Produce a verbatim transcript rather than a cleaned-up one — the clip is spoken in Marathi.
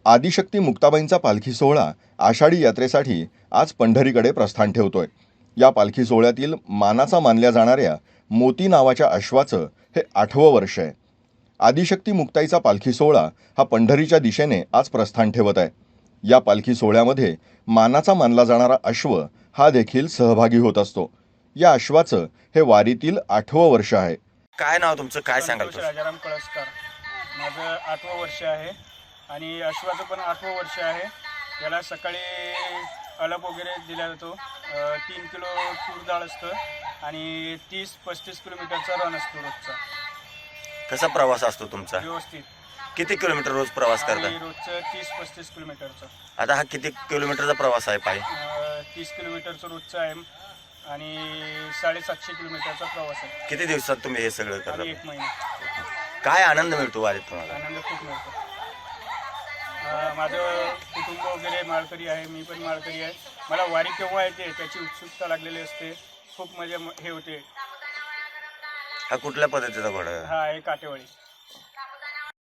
आदिशक्ती मुक्ताबाईंचा पालखी सोहळा आषाढी यात्रेसाठी आज पंढरीकडे प्रस्थान ठेवतोय. या पालखी सोहळ्यातील मानाचा मानल्या जाणाऱ्या मोती नावाच्या अश्वाचं हे आठवं वर्ष आहे. आदिशक्ती मुक्ताईचा पालखी सोहळा हा पंढरीच्या दिशेने आज प्रस्थान ठेवत आहे. या पालखी सोहळ्यामध्ये मानाचा मानला जाणारा अश्व हा देखील सहभागी होत असतो. या अश्वाचं हे वारीतील आठवं वर्ष आहे. काय नाव तुमचं, काय सांगाल? संतोष राजाराम कळसकर. माझं आठवं वर्ष आहे आणि अश्वाचं पण आठवं वर्ष आहे. याला सकाळी अलप वगैरे दिला जातो. अ, तीन किलो तूर डाळ असतं आणि तीस पस्तीस किलोमीटरचा रन असतो रोजचा. कसा प्रवास असतो तुमचा? व्यवस्थित. किती किलोमीटर रोज प्रवास करता? आणि रोजचं तीस पस्तीस किलोमीटरचं. आता हा किती किलोमीटरचा प्रवास आहे पायी? अ, तीस किलोमीटरचं रोजचं आहे आणि साडेसातशे किलोमीटरचा प्रवास आहे. किती दिवसात तुम्ही हे सगळं आणि करता? एक महिना. काय आनंद मिळतो वारीत तुम्हाला? आनंद खूप मिळतो. अ, माझं कुटुंब वगैरे माळकरी आहे, मी पण माळकरी आहे. मला वारी केव्हा येते त्याची उत्सुकता लागलेली असते. खूप मजा हे होते. हा कुठल्या पद्धतीचा घोडा आहे? हा आहे काटेवाडी.